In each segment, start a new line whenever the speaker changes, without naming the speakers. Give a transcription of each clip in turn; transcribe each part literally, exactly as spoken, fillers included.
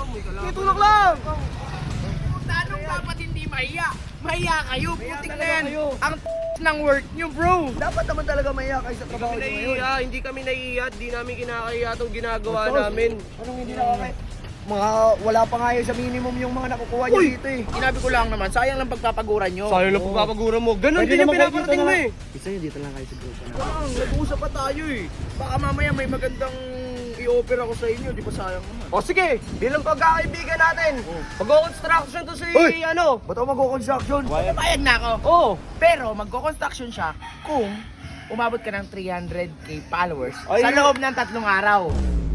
Itulak lang!
Tanong dapat hindi mahiya. Mahiya kayo, putik na yan. Ang ng work nyo, bro.
Dapat naman talaga mahiya kayo sa trabaho nyo ngayon.
Naiiya, hindi kami naiiya, di namin kinakaya itong ginagawa
Boss,
namin.
Anong hindi nakakaya? Mga wala pa nga yun sa minimum yung mga nakukuha nyo
Uy!
dito eh.
Sinabi ko lang naman, sayang lang pagpapaguran nyo.
Sayang lang pagpapagura mo. Ganun
Pwede
din yung
naman kayo
pinaparating
dito
mo
na-
eh.
Isa yun, dito lang kayo sa grupo na.
Lang, nag-uusap pa tayo eh. Baka mamaya may magandang i-offer ako sa inyo, di ba sayang naman?
O sige, bilang pagkakaibigan natin, mag-construction to si
Uy!
ano.
Ba't ako mag-construction?
Payag na ako.
Oh,
Pero magko-construction siya kung umabot ka ng three hundred k followers
Ay,
sa loob ng tatlong araw.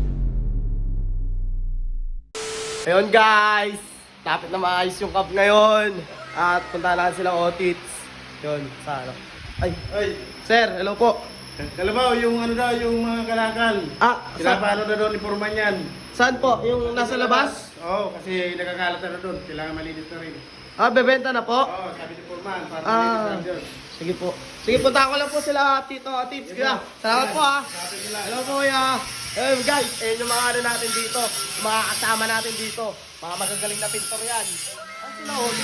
ayun guys, tapit na maayos yung cup ngayon. At punta lang silang Otits. Yun, sa ano. Ay,
Ay,
sir, hello po.
kalabaw, yung ano daw, yung mga kalakal.
Ah, sa,
Pinapano na doon ni Forman yan.
saan po? Yung nasa labas?
Oo, kasi nagkakalat na doon. Kailangan malinis na rin.
Ah, bebenta na po?
Oo, sabi ni Forman, para
Ah.
malinis na doon.
Sige po. Sige, punta ko lang po sila, Tito, Tits. Kaya, salamat po ha. Hello po, kuya. Eh guys, eh yung mga ano natin dito, yung mga kasama natin dito, mga magagaling na pintor yan. Ah, sila Oli.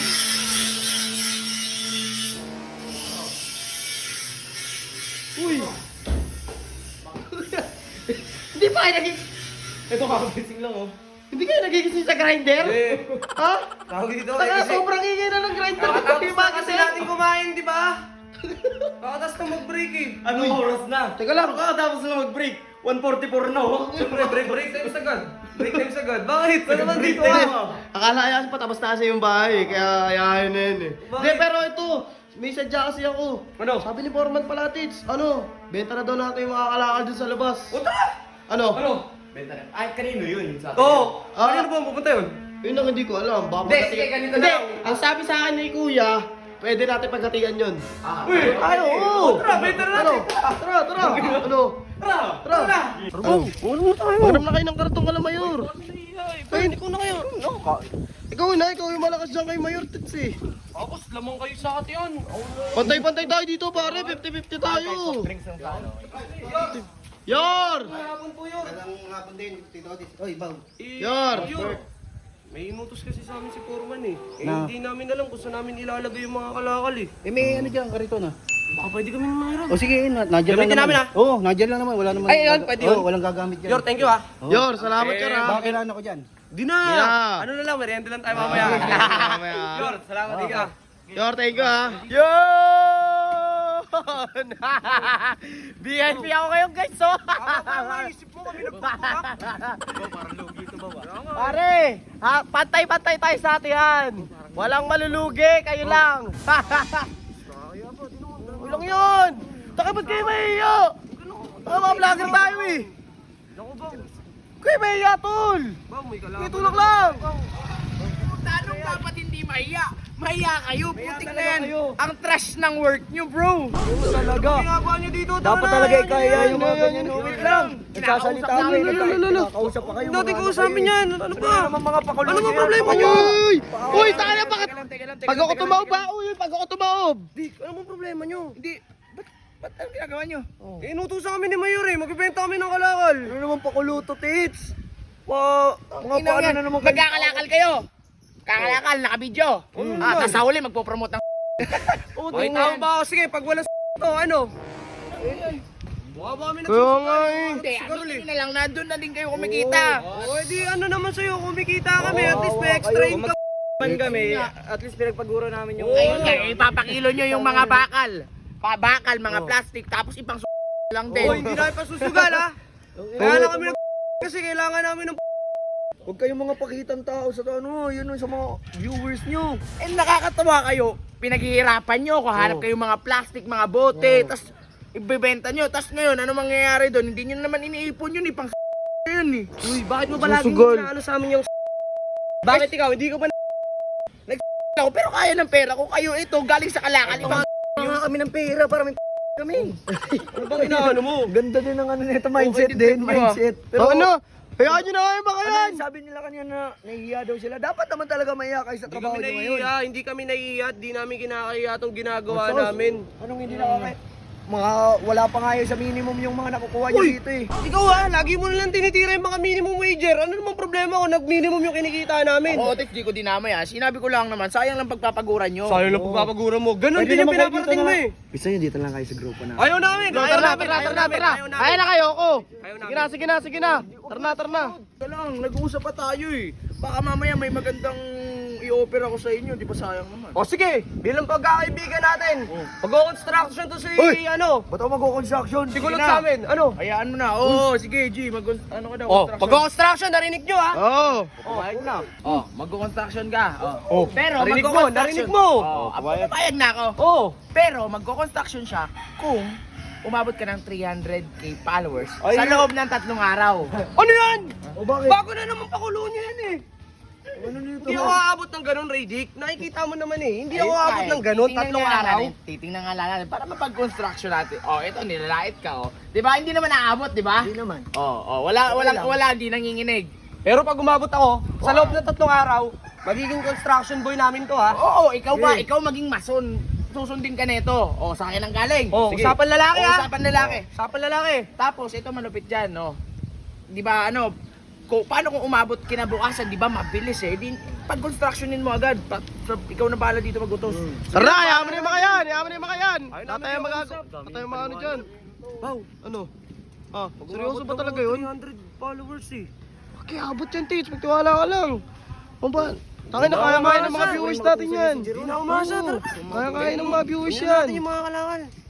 Uy! Hindi pa kayo naging... Ito kakagising lang oh. Hindi kayo nagigising sa grinder?
Eh.
Ha?
Tawag dito,
Saka sobrang ingay na ng grinder. Hindi ba kasi natin
kumain, di ba? Kakatapos na mag-break eh.
Anong oras na? Teka lang. Kakatapos na mag-break. one forty-four na oh.
Siyempre, break, break time agad. Break time agad. Bakit? Ano naman
Break
dito
time.
ah?
Akala ayaw pa tapos na kasi yung bahay eh, kaya ayahin na yun eh. Hindi, pero ito, may sadya kasi ako.
Ano?
Sabi ni Foreman pala, Tits, ano, benta na daw natin yung mga kalakal dun sa labas.
Puta!
Ano?
Ano?
Benta na. Ay, kanino yun? Sabi
Oo.
Ah.
Ano ba ang pupunta yun?
Yun ang hindi ko alam. Baka
Hindi,
magkatigan-
sige, ganito
Hindi,
lang.
ang sabi sa akin ni Kuya, pwede natin pagkatigan yun.
Ah,
Uy!
Ay, oo!
Tara, benta na
Ano?
natin.
Tara, tara! Ano?
Tara!
Tara!
Tara!
Tara, ano mo tayo? Magdam na kayo ng kartong kala Mayor. Ay, hindi ko na kayo. No, ka. Ikaw na, ikaw yung malakas dyan kay Mayor, Tits eh.
Tapos, lamang kayo sa atin yan.
Pantay-pantay tayo dito pare, fifty fifty tayo.
drinks ng kano.
Yor!
Hapon po yun.
Magandang hapon din, Tito Otis. Oy, Bang.
Yar!
Yun. May inutos kasi sa amin si Foreman eh. Eh,
Na?
hindi namin alam kung saan namin ilalagay yung mga kalakal eh.
Eh, may ano dyan, karito na.
Baka pwede kami mangiram.
O sige, na, nadyan lang
Gamitin
naman.
namin, ah.
Oo, nadyan lang naman. Wala naman.
Ay, yun, pwede yun.
Oo, walang gagamit yan.
Yor, thank you ah.
Oo.
Yor, salamat
Eh,
ka ra.
Baka kailangan ako dyan.
Di na!
Yeah.
Ano na lang, merienda lang tayo mamaya.
mamaya.
Yor, salamat din ka.
Yor, thank you ha. Yon! V I P ako ngayon guys, so.
Isip mo kami nagpapak. Parang lugi ito ba?
Pare, ha, pantay-pantay tayo sa atihan. Walang malulugi, kayo lang. Ulang yun. Taka ba't kayo mahihiyo? Taka mga vlogger tayo eh.
Naku bang,
Kayo mahihiya, tol.
bang may kalaban.
Itulak lang.
Tanong dapat hindi mahiya. Mahiya kayo, putik na yan.
kayo.
Ang trash ng work nyo, bro.
Talaga.
Ano ginagawa nyo dito?
Dapat
Tara
talaga
na,
ikaya
yan,
yung mga
yan,
ganyan.
yan,
Wait
yan.
lang. Nagsasalita
Kinakausap
kayo.
namin.
Nakakausap pa kayo.
Hindi natin
mga
kausapin
ano kayo
yan.
eh.
Ano
Ano
ba?
naman mga pakulo?
Ano bang problema nyo?
Uy! Uy, tayo na bakit?
Teka lang, teka lang, teka
Pag
lang,
ako
teka lang,
tumaob
teka
ba? Uy, pag ako tumaob.
Di, ano bang problema nyo?
Hindi, ba't, ba't ang ginagawa nyo?
Eh, inutusan kami ni Mayor eh. Magbibenta kami ng kalakal.
Ano naman pakulo to, tits? Pa, mga
Inang
paano
yan,
na naman kayo?
magkakalakal kayo. Kakalakal, nakabidyo.
Mm.
Ah, tapos sa huli, magpo-promote ng
Oh, may tao ba ako? Sige, pag wala s*** to, ano? Mukha ba kami
Kaya nga eh.
Hindi, ano na lang, nandun na din kayo kumikita.
Oh, di ano naman sa'yo, kumikita kami, at least may extra
kayo,
income. Man kami, at least pinagpaguro namin yung...
Ayun nga, ipapakilo nyo yung mga bakal. Pa bakal, mga plastic, tapos ipang s*** lang din.
Oh, hindi namin pasusugal ha. Kaya lang kami nag kasi kailangan namin ng
Huwag kayong mga pakitang tao sa ano, yun sa mga viewers nyo.
Eh, nakakatawa kayo. Pinaghihirapan nyo, kuhanap
Oo.
kayo mga plastic, mga bote, tas ibebenta nyo. Tas ngayon, ano mangyayari doon? Hindi nyo naman iniipon yun, ipang s*** yun eh.
Uy, bakit mo palagi
Susugal.
ano sa amin yung bakit ikaw, hindi ko ba
Ako, pero kaya ng pera ko. Kayo ito, galing sa kalakal. Ipang
Mga kami ng pera para may kami.
ano bang inaano mo?
Ganda din ng ano nito, mindset
Okay,
din,
din,
mindset.
Pero ano? Hayaan nyo na kayo baka
Ano,
yan.
sabi nila kanina na nahihiya daw sila. Dapat naman talaga mahiya kayo sa
Hindi
trabaho
kami
nyo ngayon.
naiiya, hindi kami naiiya, di namin kinakaya itong ginagawa
Sos,
namin.
Anong hindi nakakaya? Mga wala pa nga yun sa minimum yung mga nakukuha nyo
Uy!
dito eh.
Ikaw ha, lagi mo nalang tinitira yung mga minimum wager. Ano namang problema problema kung nag-minimum yung kinikita namin.
Oo, Tits, di ko dinamay ah. Sinabi ko lang naman, sayang lang pagpapaguran nyo.
Sayang lang pagpapagura mo. Ganun
Pwede
din yung
naman kayo
pinaparating
dito
mo
na-
eh.
Gusto nyo dito lang kayo sa grupo na.
Ayaw namin,
Tara
ayaw
na,
namin,
tara,
ayaw
tara,
namin,
tara.
ayaw namin.
Kaya na kayo, ako.
Ayaw
Sige na, sige na, sige na. Tara na, tara na.
Ika lang, nag-uusap pa tayo eh. Baka mamaya may magandang i-offer ako sa inyo, di ba sayang naman?
O sige, bilang pagkakaibigan natin, mag-construction to si,
Uy!
ano,
Ba't ako mag-construction?
si Kulot
na.
sa amin, ano?
Hayaan mo na. Oo, sige G, mag ano ka daw,
Oh,
construction.
pag-construction, narinig nyo ha?
Oo.
Pumayag na. Oh, magko-construction ka. Oh.
Oh,
Pero
narinig mo,
magko-construction-
narinig mo.
Oh, papayag na ako.
Oh,
Pero magko-construction siya kung umabot ka ng three hundred k followers
Ay,
sa loob ng tatlong araw.
ano yan?
O bakit?
Bago na naman pakulo niya yan eh.
Ano nito?
Hindi ako aabot ng ganun, Radic. Nakikita mo naman eh. Hindi ako
Ayun
aabot
nga eh.
ng ganun,
Titingnan
tatlong
nga lang
araw.
natin, Titingnan nga lang natin para mapag-construction natin. Oh, ito nilalait ka oh. 'Di ba? Hindi naman naabot, 'di ba?
Hindi naman.
Oh, oh, wala wala wala hindi nanginginig.
Pero pag umabot ako, sa loob ng tatlong araw, magiging construction boy namin to ha.
Oo, ikaw ba?
Eh.
Ikaw maging mason. Susundin ka nito. Oh, sa akin ang galing.
Oh,
Sige.
usapan lalaki
Oh,
ha.
usapan lalaki.
Usapan lalaki.
Tapos ito malupit diyan, no. 'Di ba ano, kung paano kung umabot kinabukasan, 'di ba mabilis eh. Di pag constructionin mo agad, pa, pa- ikaw na bahala dito magutos.
Tara na, yaman na yung mga yan, yaman na yung mga yan.
Ayun,
Wala tayong
namin
magago.
yung
Wala tayong mga ano dyan.
Wow,
Ano? Ah, seryoso ba talaga yun?
three hundred followers eh.
Okay, abot yan, Tits. Magtiwala ka lang. Ano ba? Tangin na kaya kaya ng mga viewers natin yan.
Hindi na umasa, tara.
Kaya kaya ng mga viewers
Tingnan natin
yan.
yung mga kalangan.